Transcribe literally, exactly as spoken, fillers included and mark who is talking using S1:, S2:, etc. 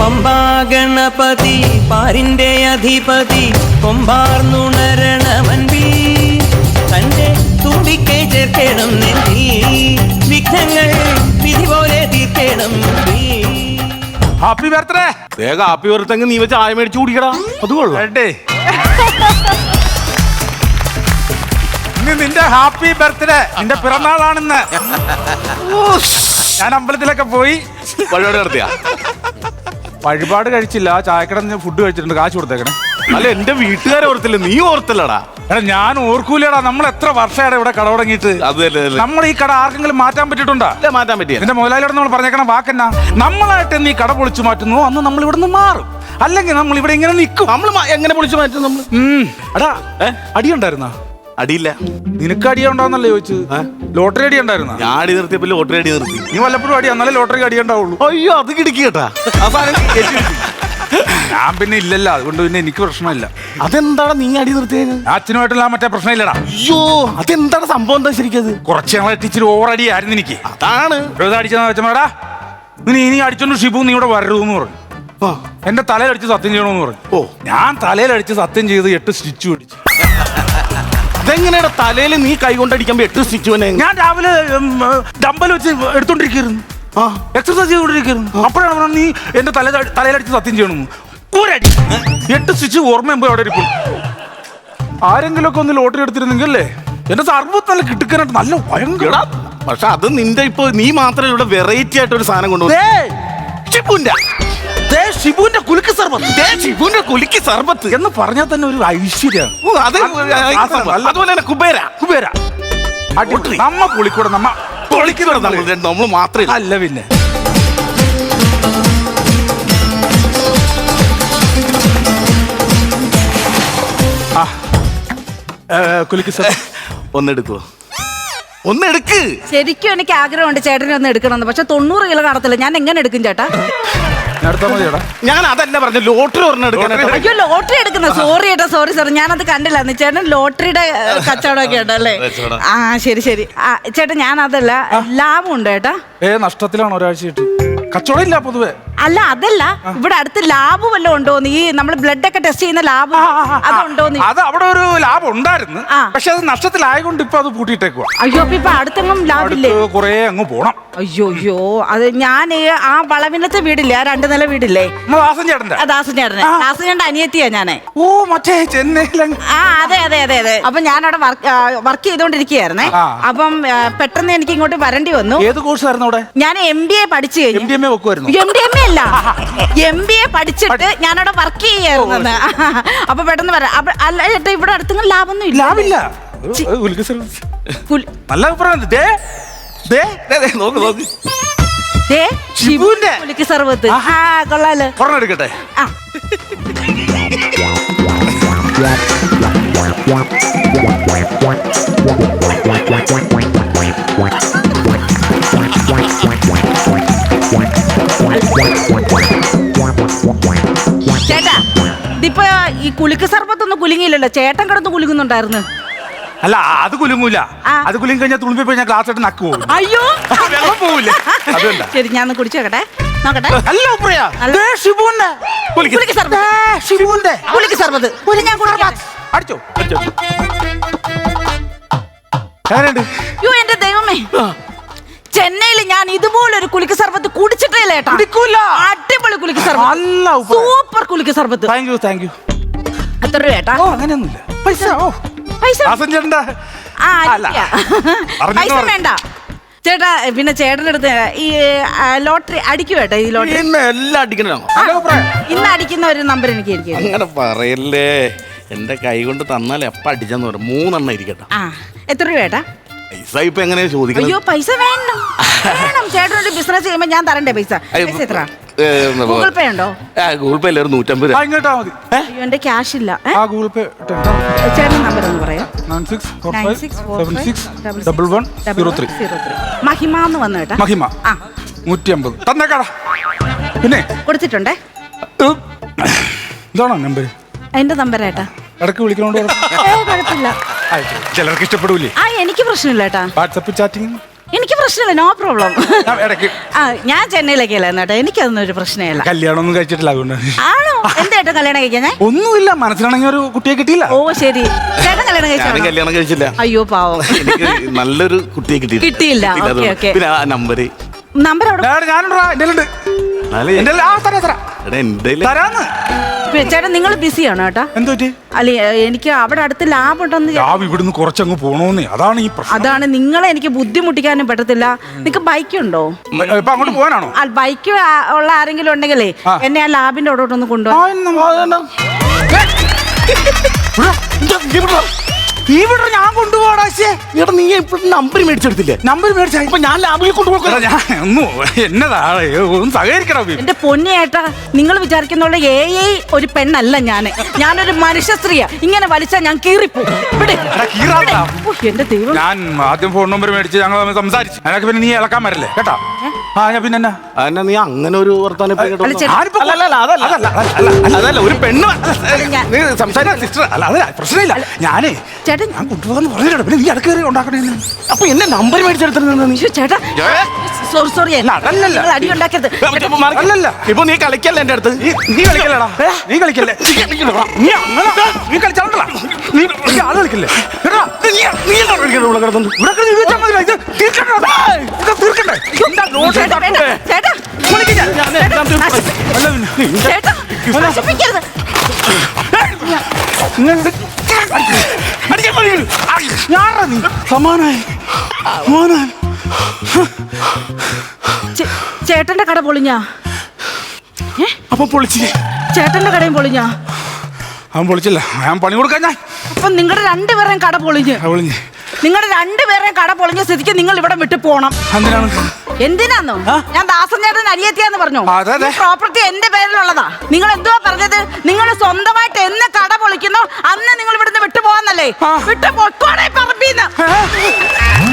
S1: പമ്പാ ഗണപതി പാരിന്റെ അധിപതി കൊമ്പാർന്നുണരണമൻപി തന്റെ തുമ്പിക്കൈ ചേർക്കണം നെല്ലി വിഘ്നങ്ങൾ വിധി പോലെ തീർക്കണം.
S2: Happy birthday.
S3: വേഗം ഹാപ്പി ബർത്ത്ഡേ നീ വെച്ച് ആയ മേടിച്ചു കുടിക്കടാ. അത് കൊള്ളാം.
S2: ഇന്ന് നിന്റെ ഹാപ്പി ബർത്ത്ഡേ, നിന്റെ പിറന്നാളാണെന്ന്. ഞാൻ അമ്പലത്തിലൊക്കെ പോയി
S3: വഴിപാട് നടത്തിയ
S2: വഴിപാട് കഴിച്ചില്ല, ചായക്കട ഫുഡ് കഴിച്ചിട്ടുണ്ട്, കാശ് കൊടുത്തേക്കണേ.
S3: അല്ല എന്റെ വീട്ടുകാരെ ഓർത്തില്ല, നീ ഓർത്തില്ലടാ.
S2: എടാ ഞാൻ ഓർക്കൂലടാ, നമ്മൾ എത്ര വർഷമാണ് ഇവിടെ കട തുടങ്ങിയിട്ട്. നമ്മൾ ഈ കട ആർക്കെങ്കിലും മാറ്റാൻ പറ്റിയിട്ടുണ്ടോ?
S3: മാറ്റാൻ പറ്റിയ
S2: എന്റെ മുതലാളിയോട് നമ്മൾ പറഞ്ഞേക്കണം വാക്കെന്നാ, നമ്മളായിട്ട് നീ കട പൊളിച്ചു മാറ്റുന്നു അന്ന് നമ്മൾ ഇവിടെ നിന്ന് മാറും, അല്ലെങ്കിൽ നമ്മൾ ഇവിടെ ഇങ്ങനെ നിൽക്കും.
S3: നമ്മൾ എങ്ങനെ പൊളിച്ചു മാറ്റും നമ്മൾ?
S2: എടാ അടിയുണ്ടായിരുന്ന?
S3: അടിയില്ല.
S2: നിനക്ക് അടിയുണ്ടാവുന്നല്ലേ ചോദിച്ചത്? ലോട്ടറി അടി ഉണ്ടായിരുന്ന?
S3: ഞാൻ അടി നിർത്തിയപ്പോ ലോട്ടറി അടി നിർത്തി.
S2: നീ വല്ലപ്പോഴും അടി എന്നാലേ ലോട്ടറി അടി ഉണ്ടാവുള്ളൂ.
S3: അയ്യോ അത് കിടക്കി കേട്ടാ.
S2: ഞാൻ പിന്നെ ഇല്ലല്ലോ, അതുകൊണ്ട് പിന്നെ എനിക്ക് പ്രശ്നമില്ല.
S3: അതെന്താണ് നീ അടി നിർത്തിയത്?
S2: അച്ഛനുമായിട്ടുള്ള മറ്റേ പ്രശ്നമില്ലടാ.
S3: അയ്യോ അതെന്താണ് സംഭവം? എന്താ ശരിക്കത്?
S2: കുറച്ച് ഞങ്ങളെ ടീച്ചർ ഓവർ അടിയായിരുന്നു എനിക്ക്.
S3: അതാണ്
S2: അടിച്ചെന്ന് വെച്ചാ നീ ഇനി അടിച്ചോണ്ട് ഷിബു നീ ഇവിടെ വരരുതെന്ന് പറഞ്ഞു. എന്റെ തലയിലടിച്ച് സത്യം ചെയ്യണമെന്ന് പറഞ്ഞു. ഓ ഞാൻ തലയിലടിച്ച് സത്യം ചെയ്ത് എട്ട് സ്റ്റിച്ച് പിടിച്ചു.
S3: അതെങ്ങനെയാ തലയിൽ നീ കൈ കൊണ്ടടിക്കുമ്പോ എട്ട് സ്റ്റിച്ച്?
S2: ഞാൻ രാവിലെ ഡമ്പൽ വെച്ച് എടുത്തോണ്ടിരിക്കുന്നു, എക്സർസൈസ് ചെയ്തോണ്ടിരിക്കുന്നു. അപ്പോഴാണ് പറഞ്ഞത് നീ എന്റെ തല തലയിലടിച്ച് സത്യം ചെയ്യണമെന്ന്. ഒരടി എട്ട് സ്റ്റിച്ച് ഓർമ്മയുമ്പോ അവിടെ ഇരിക്കും. ആരെങ്കിലും ഒക്കെ ഒന്ന് ലോട്ടറി എടുത്തിരുന്നെങ്കിൽ അല്ലേ എന്റെ സർവത്ത് നല്ല കിട്ടുക്കാനായിട്ട് നല്ല ഭയങ്കര.
S3: പക്ഷെ അത് നിന്റെ ഇപ്പൊ നീ മാത്രമേ ഇവിടെ വെറൈറ്റി ആയിട്ട് ഒരു സാധനം കൊണ്ടുവന്നു. ഷിബുന്റെ
S2: ഷിബുവിന്റെ കുലുക്ക് സർബത്ത്,
S3: ഷിബുവിന്റെ കുലുക്കി സർബത്ത്
S2: എന്ന് പറഞ്ഞാൽ തന്നെ ഒരു ഐശ്വര്യാണ്.
S3: അതുപോലെ തന്നെ കുബേര
S2: കുബേര നമ്മ പൊളിക്കൂടെ, നമ്മ
S3: പൊളിക്കുന്ന നമ്മൾ മാത്രമേ
S2: അല്ല പിന്നെ. കുലുക്ക് സർ
S3: ഒന്നെടുക്കുവോ? ഒന്നെടുക്ക്.
S4: ശരിക്കും എനിക്ക് ആഗ്രഹമുണ്ട് ചേട്ടനെ ഒന്ന് എടുക്കണമെന്ന്, പക്ഷെ തൊണ്ണൂറ് കിലോ കാണത്തില്ല. ഞാൻ എങ്ങനെ എടുക്കും ചേട്ടാ?
S3: ഞാൻ അതല്ല പറഞ്ഞു, ലോട്ടറി ഒരെണ്ണം എടുക്കാൻ.
S4: അയ്യോ ലോട്ടറി എടുക്കുന്ന, സോറി ചേട്ടാ, സോറി സാർ, ഞാനത് കണ്ടില്ല. ചേട്ടൻ ലോട്ടറിയുടെ കച്ചവടമൊക്കെ ഉണ്ടല്ലേ? ആ ശരി ശരി. ആ ചേട്ടാ ഞാൻ അതല്ല, ലാഭം ഉണ്ട് ചേട്ടാ.
S2: ഏ നഷ്ടത്തിലാണ് ഒരാഴ്ചയായിട്ട്, കച്ചവടം ഇല്ല പൊതുവെ.
S4: അല്ല അതല്ല, ഇവിടെ അടുത്ത് ലാബ് വല്ലതും ഉണ്ടോന്ന്, ഈ നമ്മൾ ബ്ലഡ് ഒക്കെ ടെസ്റ്റ് ചെയ്യുന്ന ലാബ് അതുണ്ടോന്ന്.
S2: അത് അവിടെ ഒരു ലാബ് ഉണ്ടായിരുന്നു, പക്ഷെ അത് നഷ്ടത്തിലായതുകൊണ്ട് ഇപ്പൊ അത് പൂട്ടിയിട്ടേക്കുവാ.
S4: അയ്യോ അപ്പൊ ഇപ്പൊ അടുത്തെങ്ങും ലാഭില്ലേ?
S2: കൊറേ അങ്ങ് പോണം.
S4: അയ്യോ അയ്യോ അത് ഞാൻ ആ വളവിനത്തെ വീടില്ലേ, ആ രണ്ടു നില വീടില്ലേ,
S2: ദാസൻ ചേട്ടന്റെ
S4: ദാസൻ ചേട്ടനെ ദാസൻ ചേട്ടൻ അനിയത്തിയാ ഞാനേ.
S2: ഓ മറ്റേ ചെന്നൈയിലെ.
S4: ആ അതെ അതെ അതെ അതെ. അപ്പൊ ഞാൻ അവിടെ വർക്ക് ചെയ്തോണ്ടിരിക്കുകയായിരുന്നേ. അപ്പം പെട്ടെന്ന് എനിക്ക് ഇങ്ങോട്ട് വരേണ്ടി വന്നു.
S2: ഏത് കോഴ്സ് ആയിരുന്നു അവിടെ?
S4: ഞാൻ എം ബി എ പഠിച്ചു കഴിഞ്ഞു.
S2: എം ഡി എം എ വെക്കുമായിരുന്നു?
S4: എം ഡി എം എ അല്ല, എം ബി എ പഠിച്ചിട്ട് ഞാനവിടെ വർക്ക് ചെയ്യായിരുന്നു. അപ്പൊ പെട്ടെന്ന് വരാം. അല്ല ചേട്ടാ ഇവിടെ അടുത്തെങ്കിലും ലാഭമൊന്നും ഇല്ല.
S2: ലാഭില്ല. നല്ല അഭിപ്രായം.
S4: ഷിബുവിന്റെ കുലുക്ക് സർബത്ത് കൊള്ളാലോ.
S2: ഒരെണ്ണം എടുക്കട്ടെ.
S4: ചേട്ടാ ഇതിപ്പോ ഈ കുലുക്ക് സർബത്തൊന്നും കുലുങ്ങിയില്ലല്ലോ, ചേട്ടൻ കിടന്ന് കുലുങ്ങുന്നുണ്ടായിരുന്നു.
S2: അല്ല അത് കുലുങ്ങൂല, അത് കുലുങ്ങി കഴിഞ്ഞാൽ തുളുമ്പി പോയി ഞാൻ ക്ലാസ് ആയിട്ട് നക്ക് പോകും.
S4: അയ്യോ
S2: വെള്ളം പോവില്ല.
S4: ശരി ഞാൻ ഒന്ന് കുടിച്ചോക്കട്ടെ, നോക്കട്ടെ.
S2: അല്ല അടിച്ചോ
S4: അയ്യോ എന്റെ ദൈവമേ, ചെന്നൈയിൽ ഞാൻ ഇതുപോലൊരു കുലുക്ക് സർബത്ത് കുടിച്ചിട്ടില്ല ഏട്ടാ. അടിപൊളി കുലുക്ക് സർബത്ത്, സൂപ്പർ കുലുക്ക് സർബത്ത്.
S2: Thank you thank you.
S4: എത്ര രൂപ ഏട്ടാ?
S2: അങ്ങനെയൊന്നുമില്ല. പൈസ ഓ
S4: പൈസ
S2: പൈസ
S4: പൈസ വേണ്ട ചേട്ടാ. പിന്നെ ചേട്ടൻ്റെ അടുത്ത് ഈ ലോട്ടറി അടിക്കും ഏട്ടാ. ഈ ലോട്ടറി
S3: എല്ലാം അടിക്കണോ?
S4: ഇന്ന് അടിക്കുന്ന ഒരു നമ്പർ എനിക്ക് ഇരിക്കും.
S3: അങ്ങനെ പറയല്ലേ, എന്റെ കൈ കൊണ്ട് തന്നാൽ എപ്പ അടിച്ചെന്ന് പറയും. മൂന്നെണ്ണം ഇരിക്കട്ടെ.
S4: ആ എത്ര രൂപ ഏട്ടാ?
S3: പൈസ ഇപ്പൊ എങ്ങനെയാ ചോദിക്കുന്നത്?
S4: അയ്യോ പൈസ വേണം വേണം. ചേട്ടനൊരു ബിസിനസ് ചെയ്യുമ്പോ ഞാൻ തരണ്ടേ പൈസ? പൈസ എത്ര? ഗൂഗിൾ പേ ഉണ്ടോ?
S3: ഗൂഗിൾ പേ അല്ലേ നൂറ്റമ്പത് രൂപ.
S2: ഇങ്ങോട്ടാ മതി.
S4: അയ്യോ എന്റെ ക്യാഷ് ഇല്ല.
S2: ഗൂഗിൾ പേ
S4: ചേട്ടൻ നമ്പർ ഒന്ന് പറയാം. മഹിമ എന്ന് വന്നു കേട്ടാ.
S2: മഹിമ നൂറ്റി അമ്പത് തന്നേക്കാടാ. പിന്നെ
S4: കൊടുത്തിട്ടുണ്ടേ.
S2: ഇതാണോ നമ്പർ?
S4: എന്റെ നമ്പർ ഏട്ടാ.
S2: ഇടയ്ക്ക് വിളിക്കണോണ്ട്
S4: കുഴപ്പമില്ല.
S2: ചിലർക്ക് ഇഷ്ടപ്പെടൂലേ?
S4: ആ എനിക്ക് പ്രശ്നമില്ല ഏട്ടാ.
S2: വാട്സപ്പ് ചാറ്റിംഗ്
S4: എനിക്ക് പ്രശ്നമില്ല, നോ പ്രോബ്ലം.
S2: ഞാൻ ഇടയ്ക്ക്
S4: ആ ഞാൻ ചെന്നൈയിലേക്കല്ല കേട്ടോ, എനിക്കതൊന്നും ഒരു പ്രശ്നമില്ല.
S2: കല്യാണം ഒന്നും കഴിച്ചിട്ടില്ല, അതുകൊണ്ട്.
S4: ആണോ? എന്തായിട്ടും കല്യാണം കഴിക്കാൻ?
S2: ഒന്നുമില്ല, മനസ്സിലാണെങ്കിൽ ഒരു കുട്ടിയെ കിട്ടിയില്ല.
S4: ഓ ശരി. ചേട്ടൻ കല്യാണം
S3: ഞാനും
S4: കഴിച്ചോ?
S3: കല്യാണം കഴിച്ചില്ല.
S4: അയ്യോ പാവം.
S3: എനിക്ക് നല്ലൊരു കുട്ടിയെ കിട്ടിയില്ല.
S4: കിട്ടിയില്ല. Okay okay.
S3: പിന്നെ ആ നമ്പര്
S4: നമ്പർ അവിടെ
S2: ഞാനുണ്ടാ എന്റെ ഉണ്ട്. എന്റെ ആ തരാ തരാ
S3: എന്റെ
S2: തരാന്ന്.
S4: ചേട്ടൻ നിങ്ങൾ ബിസിയാണോ ചേട്ടാ?
S2: എന്ത് പറ്റി?
S4: അല്ലെ എനിക്ക് അവിടെ അടുത്ത് ലാബ് ഉണ്ടെന്ന്.
S2: ലാബ് ഇവിടുന്ന് കുറച്ചങ്ങ് പോണോന്നേ, അതാണ് ഈ പ്രശ്നം.
S4: അതാണ്, നിങ്ങളെ എനിക്ക് ബുദ്ധിമുട്ടിക്കാനും പറ്റത്തില്ല. നിങ്ങക്ക് ബൈക്ക് ഉണ്ടോ?
S2: ഇപ്പൊ അങ്ങോട്ട് പോകാനാണോ?
S4: ബൈക്ക് ഉള്ള ആരെങ്കിലും ഉണ്ടെങ്കിലേ എന്നെ ആ ലാബിന്റെ അവിടോട്ടൊന്ന് കൊണ്ടുപോകാം.
S2: ഇവിടെ ഞാൻ കൊണ്ടുപോടാ.
S3: എടാ നീ ഇപ്പോഴും നമ്പർ മേടിച്ചെടുത്തില്ലേ?
S2: നമ്പർ മേടിച്ച
S3: ഇപ്പൊ ഞാൻ ലാബിൽ കൊണ്ടുപോകാം.
S2: ഞാൻ ഒന്നും എന്നതാ ഒന്ന് സഹകരിക്കണം.
S4: എന്റെ പൊന്നേട്ടാ, നിങ്ങൾ വിചാരിക്കുന്ന എ ഐ ഒരു പെണ്ണല്ല ഞാന്. ഞാനൊരു മനുഷ്യ സ്ത്രീയാ. ഇങ്ങനെ വലിച്ചാൽ ഞാൻ കീറിപ്പോ. എന്റെ ദൈവം.
S2: ഞാൻ ആദ്യം ഫോൺ നമ്പർ മേടിച്ച് ഞങ്ങൾ സംസാരിച്ചു. അതിനൊക്കെ പിന്നെ നീ ഇളക്കാൻ വരല്ലേ കേട്ടാ. ആ ഞാൻ പിന്നെ
S3: എന്നാ നീ അങ്ങനെ ഒരു വർത്താനം ഇപ്പൊ ഇങ്ങോട്ട്
S4: അല്ല,
S3: വന്നോ?
S4: ചേട്ടാ.
S3: ആരിപ്പോ- അല്ല, അല്ല, അതല്ല, അതല്ല, അതല്ല, അതല്ല, ഒരു പെണ്ണ് നീ സംസാരിക്കാൻ സിസ്റ്റർ അല്ല, അതല്ല പ്രശ്നമില്ല. ഞാനേ
S4: ചേട്ടൻ
S2: ഞാൻ കൊണ്ടുപോകാന്ന് പറഞ്ഞിട്ട് പിന്നെ നീ ഇടക്കേറി ഉണ്ടാക്കണേ.
S3: അപ്പൊ എന്നെ നമ്പർ മേടിച്ചെടുത്തിരുന്ന നീ
S4: ശ്ശോ, ചേട്ടാ സോറി സോറി
S2: അതല്ലല്ല.
S4: അടി ഉണ്ടാക്കരുത്.
S2: അല്ലല്ല,
S3: ഇപ്പൊ നീ കളിക്കല്ല എന്റെ അടുത്ത്.
S2: നീ നീ കളിക്കല്ലേടാ, നീ കളിക്കല്ലേ. നീ അങ്ങനെ നീ കളിച്ചാണ്ടല്ല, നീ നീ ആള് കളിക്കല്ലേ. എടാ,
S3: നീ നീ എന്താ കളിക്കുന്നത് ഇവിടെ കിടന്നു?
S2: ഇവിടെ കിടന്ന് ഇത് വെച്ചാൽ മതി. ഇത് തീർക്കണ്ടേ, ഇത് തീർക്കണ്ടേ. എന്താ നോട്ട്
S4: ചേട്ടാ, വേണ്ട. ചേട്ടാ
S2: വിളിക്ക് ഞാൻ.
S3: ഞാൻ എല്ലാം തീർക്കും.
S4: നശി-
S2: അല്ല പിന്നെ
S4: ചേട്ടാ നശിപ്പിക്കരുത്.
S2: അടിക്കാൻ പറയുന്നു. ഞാനാ നീ സമാനായി മോനാൻ.
S4: ചേ- ചേട്ടന്റെ കട പൊളിഞ്ഞാ? ഏ?
S3: അപ്പൊ പൊളിച്ച്
S4: ചേട്ടന്റെ കടയും പൊളിഞ്ഞാ?
S2: അവൻ പൊളിച്ചില്ല, ഞാൻ പണി കൊടുക്കാൻ. ഞാൻ
S4: അപ്പൊ നിങ്ങളുടെ രണ്ടുപേരെയും കട പൊളിഞ്ഞ്
S2: പൊളിഞ്ഞ്
S4: നിങ്ങളുടെ രണ്ടുപേരെയും കട പൊളിഞ്ഞ സ്ഥിതിക്ക് നിങ്ങൾ ഇവിടെ വിട്ടു പോണം.
S2: എന്തിനാണ്?
S4: എന്തിനാന്നോ? ഞാൻ ദാസൻ ചേട്ടൻ അരിയെത്തിയാന്ന് പറഞ്ഞു.
S2: അതെ, അതെ.
S4: പ്രോപ്പർട്ടി എന്റെ പേരിലുള്ളതാ. നിങ്ങൾ എന്തുവാ പറഞ്ഞത്? നിങ്ങൾ സ്വന്തമായിട്ട് എന്ന് കട പൊളിക്കുന്നോ അന്ന് നിങ്ങൾ ഇവിടുന്ന് വിട്ടു പോവാന്നല്ലേ? വിട്ടു പൊക്കോടെ പറമ്പീന്ന്.